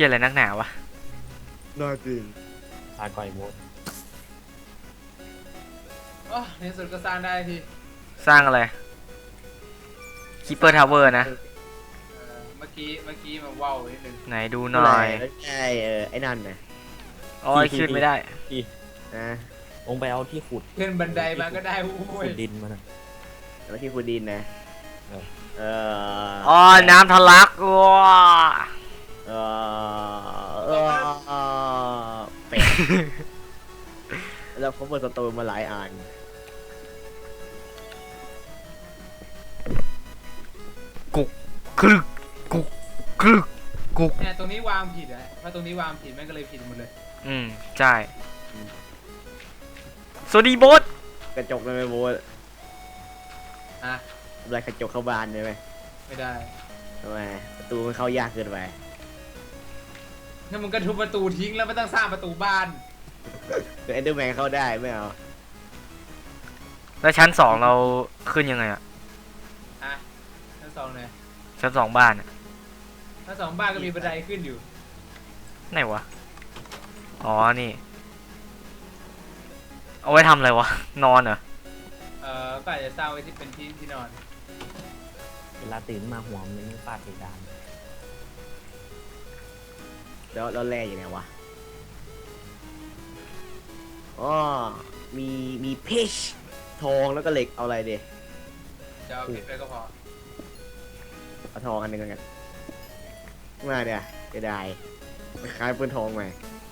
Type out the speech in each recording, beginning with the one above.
ชี่ยอะไรนักหนาวะน่าจริงตาก่อยโบสโอ้ในสุดก็สร้างได้ทีสร้างอะไรคิปเปอร์ทาวเวอร์นะเมื่อกี้มาว้าวนิดนึงไหนดูหน่อยใช่ไอ้นั่นนะอ๋อขึ้นไม่ได้นะลงไปเอาที่ขุดขึ้นบันไดมาก็ได้ขุดดินมานะแล้วที่ขุดดินนะอ๋อน้ำทะลักว้าเป็ดแล้วเขาเปิดสตูมาหลายอันกุกคลึกกุกคลึกกุกเนี่ยตรงนี้วางผิดอะเพราะตรงนี้วางผิดแม่งก็เลยผิดหมดเลยใช่สวัสดีโบ๊ทกระจกเลยไหมโบ๊ทอะอะไรกระจกเข้าบ้านได้ไหมไม่ได้ทำไมประตูมันเข้ายากเกินไปงั้นมึงก็ทุบประตูทิ้งแล้วไม่ต้องสร้างประตูบ้านเดี๋ยวเอนเดอร์แมนเข้าได้ไม่เอาแล้วชั้น2เราขึ้นยังไงอะชั้น 2เลยชั้น2บ้านชั้น 2บ้านก็มีบันไดขึ้นอยู่ไหนวะอ๋อนี่เอาไว้ทำอะไรวะนอนเหรอก็อาจจะสร้างไว้ที่เป็นที่นอนเวลาตื่นมาหัวมันฟาดเพดานแล้วแร่อยู่ไหนวะอ๋อมีเพชรทองแล้วก็เหล็กเอาอะไรดีจะเอาเพชรไปก็พอเอาทองอันหนึ่งกันมาเดี๋ยวจะได้ไปขายปืนทองใหม่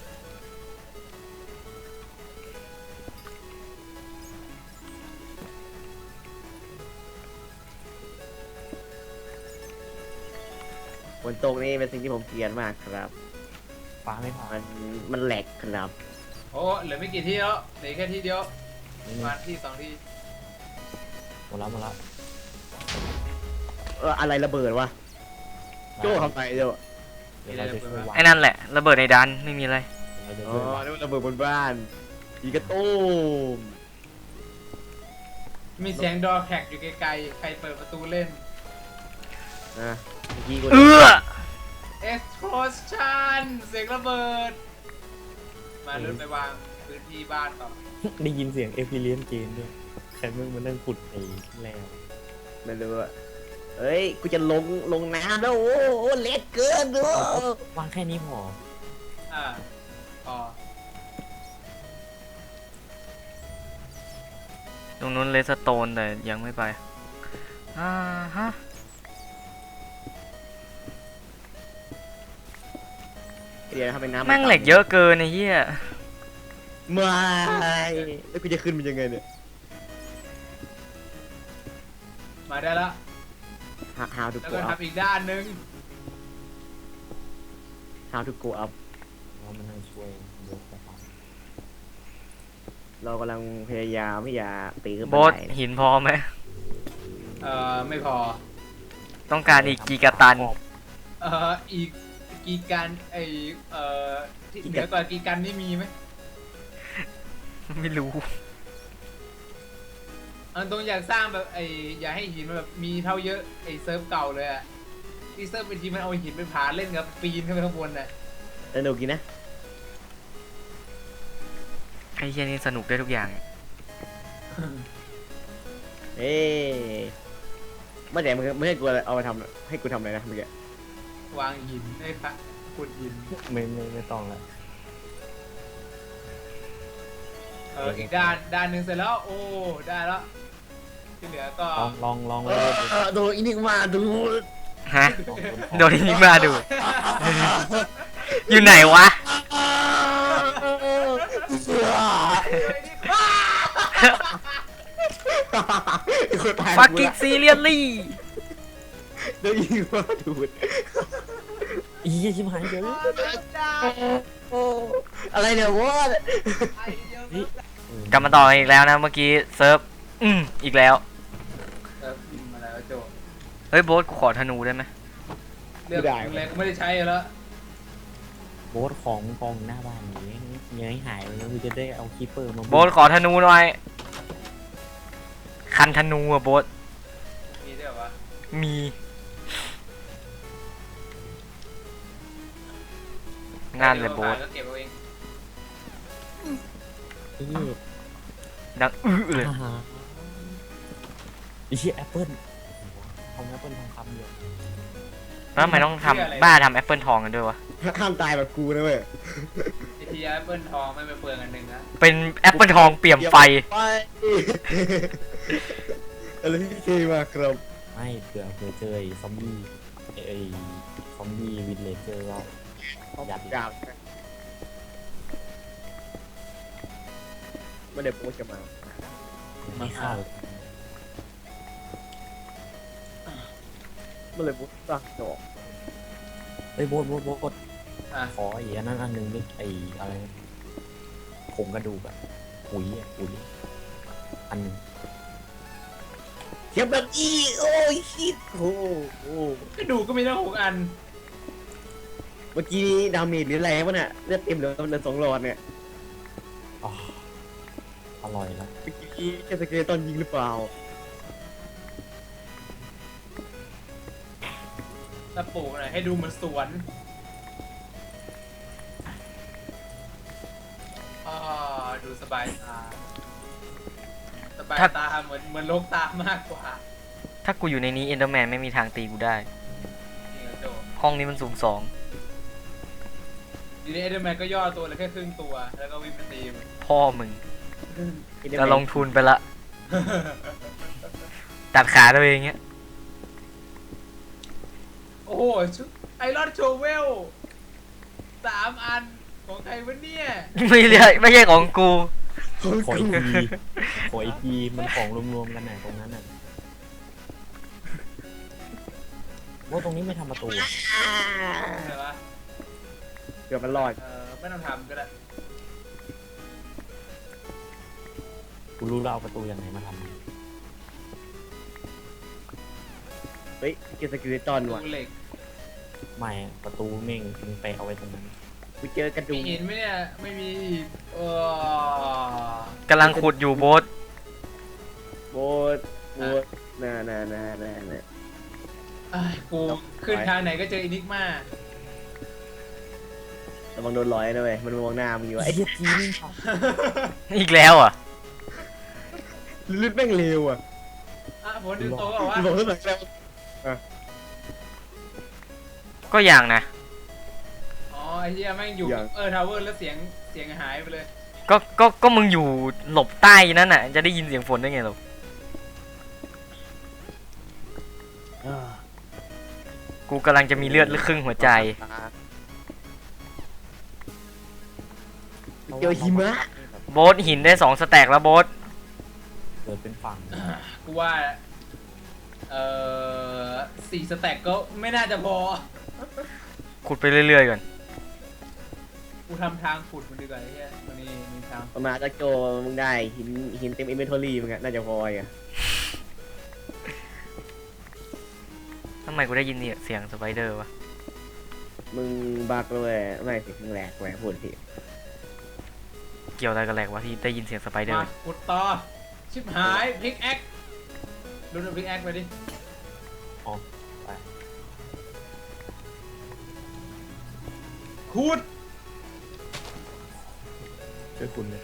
ฝนตกนี่เป็นสิ่งที่ผมเกลียดมากครับฟ้าไม่ผ่านมันแหลกครับโอ้เหลือไม่กี่ที่แล้วเหลือแค่ที่เดียวมาที่2ที่หมดแล้วอะไรระเบิดวะโจ้ทำไมเดี๋ยวไอ้นั่นแหละระเบิดในดันไม่มีอะไรอ๋อนี่มันระเบิดบนบ้านอีกระตุ้มมีเสียงดอแขกอยู่ไกลๆใครเปิดประตูเล่นนะ explosion เสียงระเบิดมาเดินไปวางพื้นที่บ้านต่อได้ยินเสียงเอพิเลียนเกนด้วยใครมึงมานั่งขุดไอ้แล้วไม่รู้อะเฮ้ยกูจะลงน้ำแล้วโอ้เล็กเกินด้วยวางแค่นี้พอพอตรงนู้นเลสโตนแต่ยังไม่ไปฮะเดี๋ยวทำเป็นน้ำแม่งเหล็กเยอะเกินไอ้เหี้ยไม่แล้วกูจะขึ้นมันยังไงเนี่ยมาได้แล้ว how to แล้ว go ก็ up ทำอีกด้านนึง how to go up เรามานั่งช่วยยกนะครับเรากำลังพยายามที่จะปีนขึ้นไปโบ๊ทหินพอไหมไม่พอต้องการอีกกี่กะตันอีกกี่กันที่เหนือกว่ากี่กันนี่มีไหมไม่รู้ตรงอยากสร้างแบบอยากให้หินมันแบบมีเท่าเยอะเซิร์ฟเก่าเลยอะที่เซิร์ฟเป็นทีมันเอาหินไปผาเล่นกับปีนขึ้นไปข้างบนน่ะสนุกกินนะไอ้เหี้ยนี่สนุกได้ทุกอย่างไม่แต่ไม่ให้กูเอาไปทำให้กูทำอะไรนะเมื่อกี้วางหินให้ค่ะขุดหินไม่ต้องแล้วอีกด้านหนึ่งเสร็จแล้วโอ้ได้แล้วที่เหลือก็ลองเลยโดนอินิกมาดูฮะโดนอินิกมาดูอยู่ไหนวะฟักกิ้งซีเรียสลี่โดนอินิกมาดูอีชิบหายเยอะอะไรเนี่ยวะกลับมาต่ออีกแล้วนะเมื่อกี้เซิร์ฟอีกแล้วมาแล้วโจเฮ้ยโบ๊ทขอธนูได้ไหมเลือกเลยไม่ได้ใช้แล้วโบ๊ทของกองหน้าบ้านนี้ยังหายไปแล้วคือจะได้เอาคีเปอร์มาโบ๊ทขอธนูหน่อยคันธนูอะโบ๊ทมีด้วยวะมีนั่นเลยโบ๊ทก็เก็บเอาเองนี่ดังเลยอ่าฮะไอ้เหี้ยแอปเปิ้ลทำแอปเปิ้ลทองคำอยู่แล้วทำไมต้องทำบ้าทำแอปเปิลทองกันด้วยวะห้ามตายแบบกูนะเว้ยวิธีแอปเปิลทองไม่ไปเปลืองอันหนึ่งนะเป็นแอปเปิลทองเปี่ยมไฟไปอะไรที่เคมาครับไม่เผื่อเจอไอ้ซอมบี้ไอ้ซอมบี้วินเลเจอร์ก็ยัดอีกจากไม่ได้โพสต์จะมาไม่เข้าไม่เลยโพสต์ตั้งดอกเฮ้ยโบดอ่ะขออีกอันนั้นอันหนึงดิไอ้อะไรผงกระดูกอะปุ๋ยอันหนึงเขียบแบบอีโอ้ยชิดโอ้โหก็ดูก็มีตั้ง6 อันเมื่อกี้ดาเมจหรืออะไรวะเนี่ยเลือดเต็มเหลือ2 หลอดเนี่ยอ๋ออร่อยแล้วเมื่อกี้แค่สเกลตอนยิงหรือเปล่าตะปูหน่อยให้ดูเหมือนสวนอ่าดูสบายตาสบายตาเหมือนโลกตามากกว่าถ้ากูอยู่ในนี้เอนเดอร์แมนไม่มีทางตีกูได้จริงเหรอโจห้องนี้มันสูงทีนี้เอเดอร์แมนก็ย่อตัวเหลยแค่ครึ่งตัวแล้วก็วิ่งไปตีมัน 2พ่อมึงจะลงทุนไปละ ตัดขาตัวเองเงี้ยโอ้โหชุดไอรอนโชเวล3 อันของใครวะเนี่ยไม่ใช่ของกูขออีกทีขออีกทีมันของรวมๆกันไหนตรงนั้นน่ะว่าตรงนี้ไม่ทำประตูอะอะไรวะเกือบมันรอดไม่ต้องทำก็ได้กูรู้แล้วเอาประตูยังไงมาทำเฮ้ยเกสกิลตอนว่ะดูเหล็กไม่อะประตูเม่งมึงไปเอาไว้ตรงนั้นกูเจอกระดูมีกหินไหมเนี่ยไม่มีอีกกำลังขุดอยู่โบ๊ทโบดน่าเอ้ยกูขึ้นทางไหนก็เจออินิกมาระวังโดนร้อยนะเว้ยมันมองหน้ามึงอยู่ไอ้ไอ้เหี้ยจีนครับอีกแล้วอ่ะลืดแม่งเร็วอ่ะผลดึงโตก็ว่าบอกเท่าไหร่แล้วก็อย่างนะอ๋อไอ้เหี้ยแม่งอยู่ทาวเวอร์แล้วเสียงหายไปเลยก็มึงอยู่หลบใต้นั่นน่ะ จะได้ยินเสียงฝนได้ไงหรอ กูกำลังจะมีเลือดครึ่งหัวใจเจอหิมะโบ๊ทหินได้2 สแต็กแล้วโบ๊ทเกิดเป็นฝั่งกูว่า4 สแต็กก็ไม่น่าจะพอขุดไปเรื่อยๆก่อนกูทำทางขุดมันดีกว่าไอ้เหี้ยมันนี่มีทางประมาณจะโจมึงได้หินเต็มอินเวนทอรี่มึงอะน่าจะพออ่ะทำไมกูได้ยินเสียงสไปเดอร์วะมึงบักเลยไม่สิมึงแหลกแหวพูดสิเกี่ยวอะไรกันแหลกวะที่ได้ยินเสียงสไปเดอมาร์ขุดต่อชิบหายพิกแอคดูพิกแอคไปดิอ๋อไปขุดช่วยคุณเลย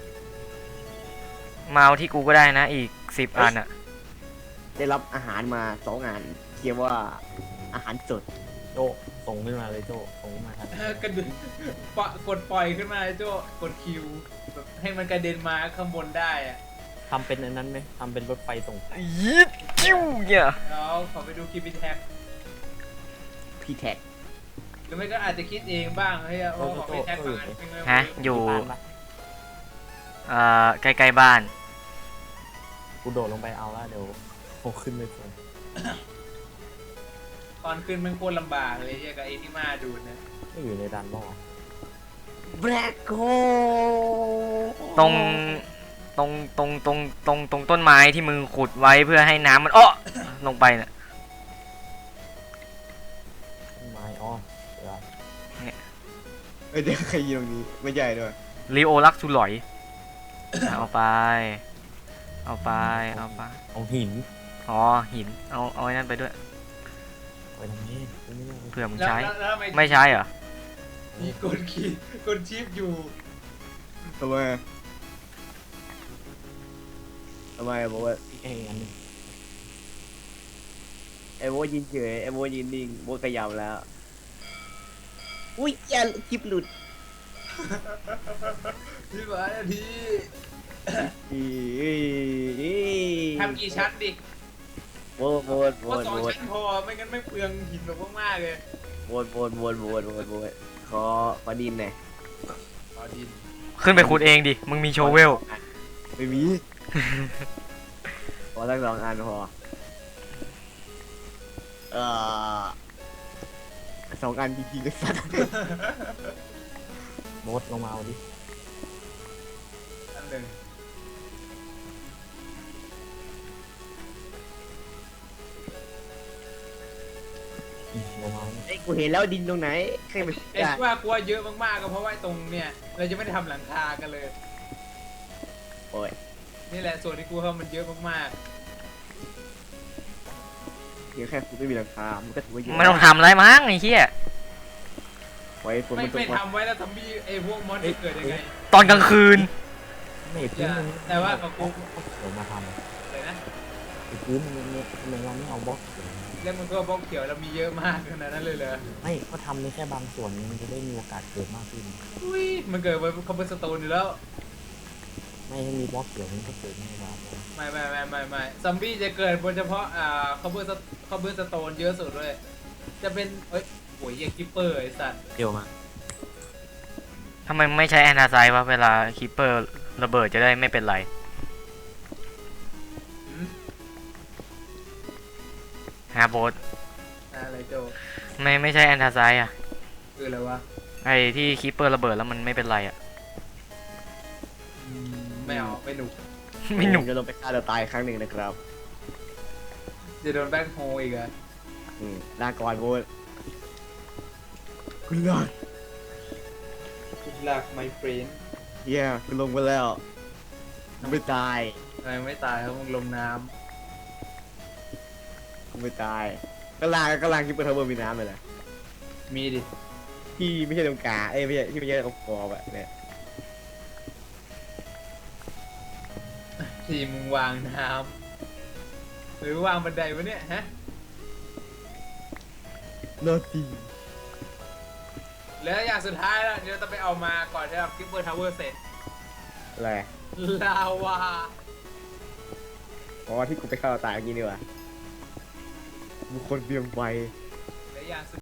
มาเอาที่กูก็ได้นะอีก10 อันอ่ะได้รับอาหารมา2 อันเขียนว่าอาหารสดโจส่งขึ้นมาเลยโจส่งขึ้นมาทางกระดึงกดปล่อยขึ้นมาไอ้โจ้กดคิวแบบให้มันกระเด็นมาข้างบนได้อะทำเป็นอันนั้นไหมทำเป็นรถไฟส่งยิดจิ้วเนี่ยแล้วขอไปดูคลิปพิแท็กพี่แท็กหรือไม่ก็อาจจะคิดเองบ้างเฮ้ยโอ้ขอพิแท็กบ้างเป็นไงฮะอยู่ที่บ้านปะใกล้ๆบ้านกูโดดลงไปเอาแล้วเดี๋ยวโผล่ขึ้นไปส่งตอนขึ้นมันโคตรลำบากเลยเฮียกับไอ้ที่มาดูดนะไม่อยู่ในดันบ่อแบล็คโฮตรงต้นไม้ที่มึงขุดไว้เพื่อให้น้ำมันอ้อลงไปน่ะต้นไม้อ๋อเดี๋ยวเอ้ยเดี๋ยวใครยิงตรงนี้ไม่ใหญ่ด้วยลีโอลักซูหลอย เอาไป เอาไปเอาหินอ๋อหิน เอาไอ้นั่นไปด้วยไปตรงนี้ตรงนี้เผื่อมึงแล้วใช้แล้วทำไม่ใช้เหรอมีกดขีดกดชิปอยู่ทำไมบอกว่าไอ้อันนึงไอ้โบทยินเฉยไอ้โบทยินนิ่งโบทขยับแล้วอุ้ยอย่าคลิปหลุดพี่หวานนาทีอีอีทำกี่ชั้นดิโบทก็สองชั้นพอไม่งั้นไม่เปลืองหินแบบมากๆเลยโบทขอดินหน่อยต่อดินขึ้นไปขุดเองดิ มึงมีโชเวลไม่มี ขอตั้ง2 อันพอเอ่อ2 อันจริงๆเลยสัตว์โบสลงมาเอาดิอันหนึ่งลงมาเอาไอ้กูเห็นแล้วดินตรงไหนใครไปไอ้ว่ากลัวเยอะมากๆก็เพราะว่าตรงเนี่ยเราจะไม่ได้ทำหลังคากันเลยโอ้ยนี่แหละส่วนที่กูเข้ามันเยอะมากเพียงแค่กูไม่มีหลังคามันก็ถือว่าเยอะไม่ต้องทำอะไรมั้งไอ้เหี้ยไว้ฝนๆไม่มันตกไม่มาทำไว้แล้วทำบี้ไอ้พวกมอนจะเกิดยังไงตอนกลางคืนไม่พื้นมันแต่ว่ากับกูเดี๋ยวมาทเลยนะำไอ้พื้นมันเราไม่เอาบล็อกเขียวเรื่องมันก็บล็อกเขียวเรามีเยอะมากขนาดนั้นเลยเหรอไม่ก็ทำในแค่บางส่วนมันจะได้มีโอกาสเกิดมากขึ้นอุ้ยมันเกิดบนคอมเบอร์สโตนอยู่แล้วไม่ให้มีบล็อกเขียวมันก็เกิดไม่ได้ไม่ซอมบี้จะเกิดบนเฉพาะคอมเบอร์สโตนเยอะสุดเลยจะเป็นเอ้ยโหยยังกิปเปอร์ไอ้สัตว์เดี๋ยวมาทำไมไม่ใช้แอนนาไซด์วะเวลาคีเปอร์ระเบิดจะได้ไม่เป็นไรหืมฮะโบสอะไรโจไม่ใช่แอนนาไซด์อ่ะคืออะไรวะไอ้ที่คีเปอร์ระเบิดแล้วมันไม่เป็นไรอ่ะไม่เอาไม่หนุกไม่หนุกจะลงไปฆ่าตัวตายครั้งหนึ่งนะครับจะโดนแบ็คโฮอีกอะลาก่อนโบทคุณลอดคุณหลักไมเฟรนเฮียคุณลงไปแล้วคุณไม่ตายทำไมไม่ตายครับมึงลงน้คุณไม่ตายก็ลางคิปเปอร์ทาวเวอร์มีน้ำเลยนะำมีดิที่ไม่ใช่ตรงกลางไม่ใช่ที่ไม่ใช่ตรงคอแบบเนี่ยทีมึงวางน้ำหรือวางบันไดวะเนี่ยฮะโนตีแล้วอย่างสุดท้ายแล้วเดี๋ยวจะไปเอามาก่อนที่เราคิปเปอร์ทาวเวอร์เสร็จอะไรลาวาอ๋อที่กูไปฆ่าตัวตายเมื่อกี้นี่วะบุคคลเบียงไวและอย่างสุด